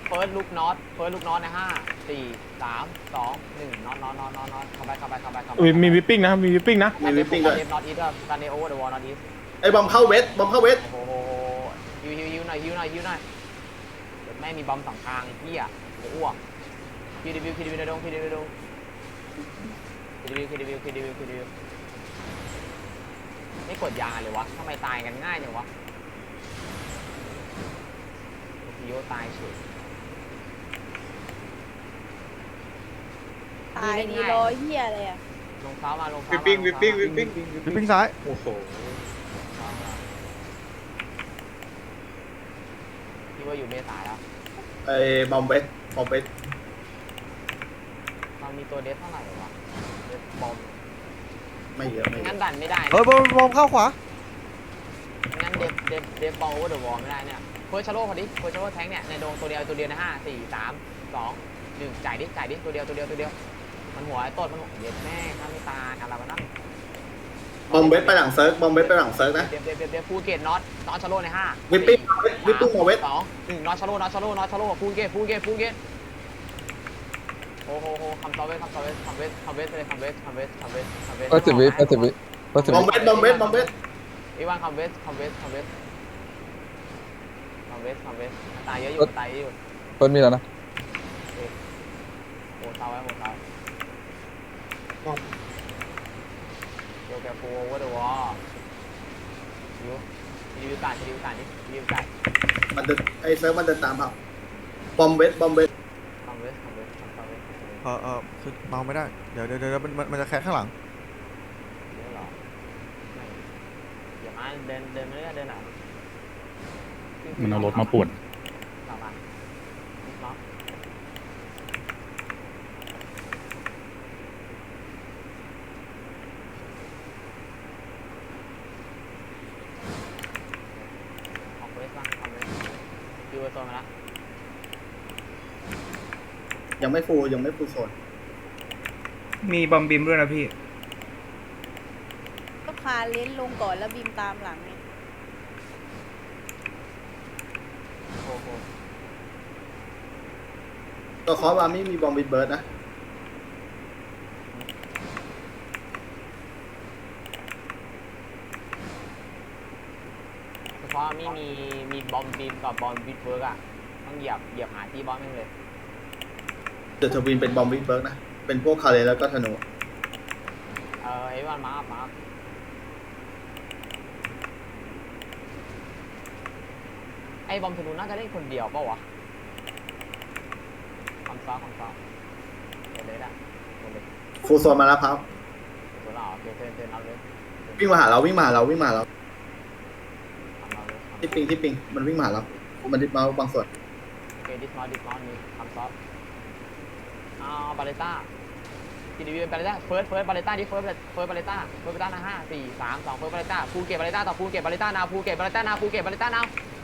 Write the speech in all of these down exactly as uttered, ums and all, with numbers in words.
เฟิร์สลูกน็อตเฟิร์สลูกน็อตในห้าสี่สามสองหนึ่งน็อตน็อตน็อตน็อตน็อตเข้าไปเข้าไปเข้าไปเข้าไปมีวิปปิ้งนะมีวิปปิ้งนะมีวิปปิ้งด้วยเดฟน็อตอีทการเดโอเวอร์เดอะวอลน็อตอีทไอ้บอมเข้าเวสบอมเข้าเวสโอ้โหฮิวฮิวฮิวหน่อยฮิวหน่อยฮิวหน่อยแม่มีบอมสองทางเฮียจะอ้วกคิวดีวิวคิวดีวิวในดงคิวดีวิวในดงคิวดีวิวคิวดีวิวคิวดีวิวคิวดีวิวไม่กดยาเลยวะทำไมตายกันง่ายจังวะพิโยตายเฉยตายดีร้อยเหี้ยอะไรอ่ะลงเท้ามาลงเท้าวิปปิ้งวิปปิ้งวิปปิ้งวิปปิ้งซ้ายโอ้โหพี่ว่าอยู่เมษาแล้วไอ้บอมเวสบอมเวสมันมีตัวเดฟเท่าไหร่วะเดฟบอมไม่เยอะไม่เยงั้นอะดันไม่ได้เฮ้ยบอมบอมเข้าขวางั้นเดฟเดฟเดฟบอลโอเวอร์เดอะวอลไม่ได้เนี่ยเฟิร์สชาโร่พอดีเฟิร์สชาโร่แทงเนี่ยในโดงตัวเดียวตัวเดียวในห้าสี่สามสองหนึ่งจ่ายดิจ่ายดิตัวเดียวตัวเดียวตัวเดียวมันหัวไอ้ต้นมันหัวเย็ดแม่ถ้าไม่ตายอะไรวะนั่นบอมเวสไปหลังเซิร์ฟบอมเวสไปหลังเซิร์ฟนะเดฟเดฟเดฟเดฟฟูเกตน็อตน็อตชาโร่ในห้าวิปปิ้งวิปปิ้งมาเวสสองหนึ่งน็อตชาโร่น็อตชาโร่น็อตชาโร่ฟูเกตฟูเกตฟูเกตโอ้โหโหคำตอบเวสคำตอบเวสคำเวสคำเวสเลยคำเวสคำเวสคำเวสคำเวสแปดสิบวิแปดสิบวิแปดสิบบอวิมเวสบอมเวสบอมเวสอีวานคำเวสคำเวสคำเวสคำเวสคำเวสตายเยอะอยู่ตายเยอะอยู่เพิ่นมีแล้วนะโอ้เท้าไว้โอ้เท้าโยแกฟูโอเวอร์เดอะวอลยูรีวิวการรีวิวการนี่รีวิวการมันเดินไอ้เซิร์ฟมันเดินตามครับบอมเวสบอมเวสคำเวสคำเวสคำเวสเออเออคือเมาไม่ได้เดี๋ยวเดี๋ยวเดี๋ยวมันมันมันจะแคสข้างหลังเยอะหรอไม่อย่ามาเดินเดินไม่ได้เดินหนามันเอารถมาป่วนหลังมาล็อกออกเวสบ้างออกเวสยูเวอร์โซนมาแล้วยังไม่ฟูลยังไม่ฟูลโซนมีบอมบิมด้วยนะพี่ก็พาเลนลงก่อนแล้วบีมตามหลังไงโอ้โหตัวคอร์บามี่มีบอมบิดเบิร์ดนะเฉพาะมีมีมีบอมบีมกับบอมบิดเวิร์กอะต้องเหยียบเหยียบหาที่บอมแม่งเลยเดอะทวินเป็นบอมบิดเบิร์ดนะเป็นพวกคาเลแล้วก็ธนูเออไอ้วันมาร์คมาร์คไอ้บอมธนูน่าจะเล่นคนเดียวเปล่าวะคำซ้อคำซ้อเดี๋ยวเลยอะเดี๋ยวเลยฟูลโซนมาแล้วครับตัวเราโอเคเทินเทินเอาเลยวิ่งมาหาเราวิ่งมาหาเราวิ่งมาหาเราทำเอาเลยที่ปิงที่ปิงมันวิ่งมาหาเรามันดิบมาบางส่วนโอเคดิสมอลดิสมอลมีคำซ้อเอาบาเลต้าทีดีวีบาเลต้าเฟิร์สเฟิร์สบาเลต้าดิเฟิร์สเฟิร์สบาเลต้าเฟิร์สบาเลต้านะห้าสี่สามสองเฟิร์สบาเลต้าภูเก็ตบาเลต้าต่อภูเก็ตบาเลต้านาวภูเก็ตบาเลต้านาวภูเก็ตบาเลต้านาว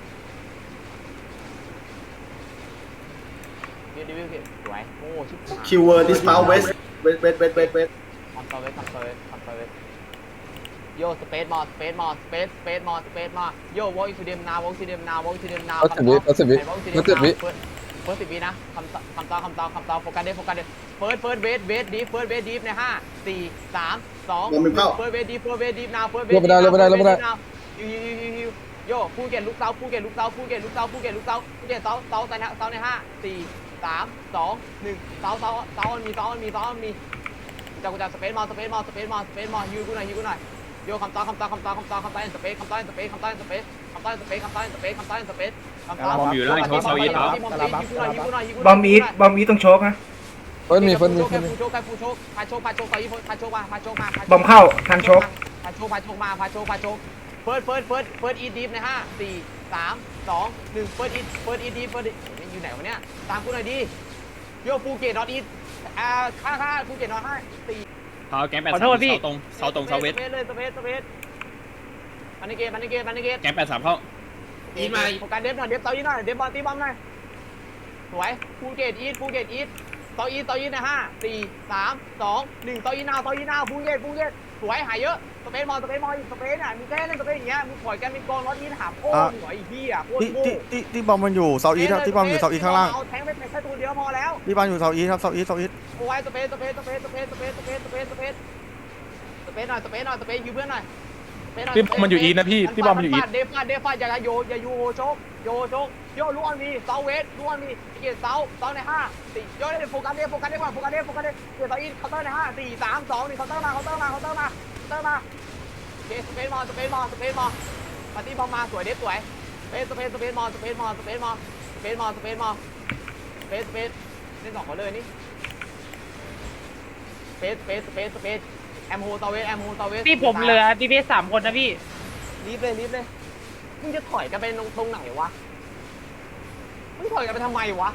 ดิวดิวดิวสวยโอ้ชิบหายคิวเวอร์ดิสมาเวสเวสเวสเวสเวสเวสคอนโซลเวสคอนโซลเวสคอนโซลเวสโยสเปซมอสเปซมอสสเปซสเปซมอสสเปซมอสโยวอลทูเดมนาววอลทูเดมนาววอลทูเดมนาวแปดสิบวิแปดสิบวิแปดสิบวิเฟิร์สเฟิร์สสิบวินะคำคำตอบคำตอบคำตอบโฟกัสเดฟโฟกัสเดฟเฟิร์สเฟิร์สเวสเวสดีเฟิร์สเวสดีในห้าสี่สามสองเฟิร์สเวสดีเฟิร์สเวสดีนาวเฟิร์สเวสยูยูยูยูโยภูเก็ตลูกเสาภูเก็ตลูกเสาภูเก็ตลูกเสาภูเก็ตลูกเสาภูเก็ตเสาเสาแต่เสาในห้าสี่สามสองหนึ่งเสาเสาเสามันมีเสามันมีเสามันมีจากกูจากสเปซมอสสเปซมอสสเปซมอสสเปซมอสฮิวกูหน่อยฮิวกูหน่อยโยคำตอบคำตอบคำตอบคำตอบคำตอบสเปซคำตอบสเปซคำตอบสเปซคำตอบสเปซคำตอบสเปซคำตอบสเปซคำตอบบอมอยู่ล่างช็อตเซาอีทครับบอมอีทบอมอีทต้องโชกนะเพิ่นมีเพิ่นมีเพิ่นมีผู้โชคใครผู้โชคพาโชคพาโชคต่อยี่พาโชคมาพาโชคมาบอมเข้าทันโชกพาโชคพาโชคมาพาโชคพาโชคเฟิร์สเฟิร์สเฟิร์สเฟิร์สอีดีฟในห้าสี่สามสองหนึ่งเฟิร์สอีเฟิร์สอีดีฟเฟิร์สอยู่ไหนวะเนี่ยตามกูหน่อยดิโยภูเก็ตนอตอีอ่าค่าค่าภูเก็ตนอตห้าสี่เท้าแก๊งแปดสามเสาตรงเสาตรงเสาเวสสเปซเลยสเปซสเปซบันนิเกตบันนิเกตบันนิเกตแก๊งแปดสามเข้าอีทมาโฟกัสเดฟหน่อยเดฟเตาอีทหน่อยเดฟบอลตีบอมหน่อยสวยภูเก็ตอีทภูเก็ตอีทเตาอีทเตาอีทนะห้าสี่สามสองหนึ่งเตาอีทนาวเตาอีทนาวภูเก็ตภูเก็ตภูสวยหายเยอะสเปซมอลสเปซมอลสเปซอ่ะมึงแค่เล่นสเปซอย่างเงี้ยมึงถอยกันเป็นกองรถนี้ถามโอ้หัวไอ้เหี้ยโคตรที่โง่ที่ที่ที่บอมมันอยู่เซาอีทครับที่บอมอยู่เซาอีทข้างล่างเอาแทงไปแค่ตัวเดียวพอแล้วที่บอมอยู่เซาอีทครับเซาอีทเซาอีทโอ้ยสเปซสเปซสเปซสเปซสเปซสเปซสเปซสเปซสเปซหน่อยสเปซหน่อยสเปซยืมเพื่อนหน่อยพี่บอมมันอยู่อีทนะพี่พี่บอมมันอยู่อีทเดฟาเดฟาอย่าโยอย่ายูโฮโชกโยโชกโยลูออนมีเซาเวสลูออนมีเกียร์เซาเซาในห้าสี่โยได้โฟกัสเดฟโฟกัสเดฟก่อนโฟกัสเดฟโฟกัสเดฟเกียร์เซาอีทเคาน์เตอร์ในห้าสี่สามสองหนึ่งเคาน์เตอร์มาเคาน์เตอร์มาเคาน์เตอร์มาเคาน์เตอร์มาเกียร์สเปซมอลสเปซมอลสเปซมอลปาร์ตี้บอมมาสวยเดฟสวยสเปซสเปซสเปซมอลสเปซมอลสเปซมอลสเปซมอลสเปซมอลสเปซสเปซเล่นสองคนเลยนี่สเปซสเปซสเปซสเปซแอมโฮเซาเวสแอมโฮเซาเวสพี่ผมเหลือดีพีสามคนนะพี่รีบเลยรีบเลยมึงจะถอยกันไปตรงตรงไหนวะมึงถอยกันไปทำไมวะ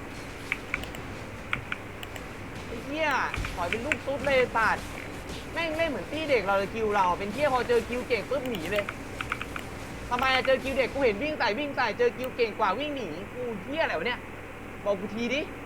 ไอ้เหี้ยถอยเป็นลูกตุ๊ดเลยตัดแม่งเล่นเหมือนตี้เด็กเราเลยคิวเราเป็นเหี้ยพอเจอคิวเก่งปุ๊บหนีเลยทำไมเจอคิวเด็กกูเห็นวิ่งใส่วิ่งใส่เจอคิวเก่งกว่าวิ่งหนีกูเหี้ยอะไรวะเนี่ยบอกกูทีดิ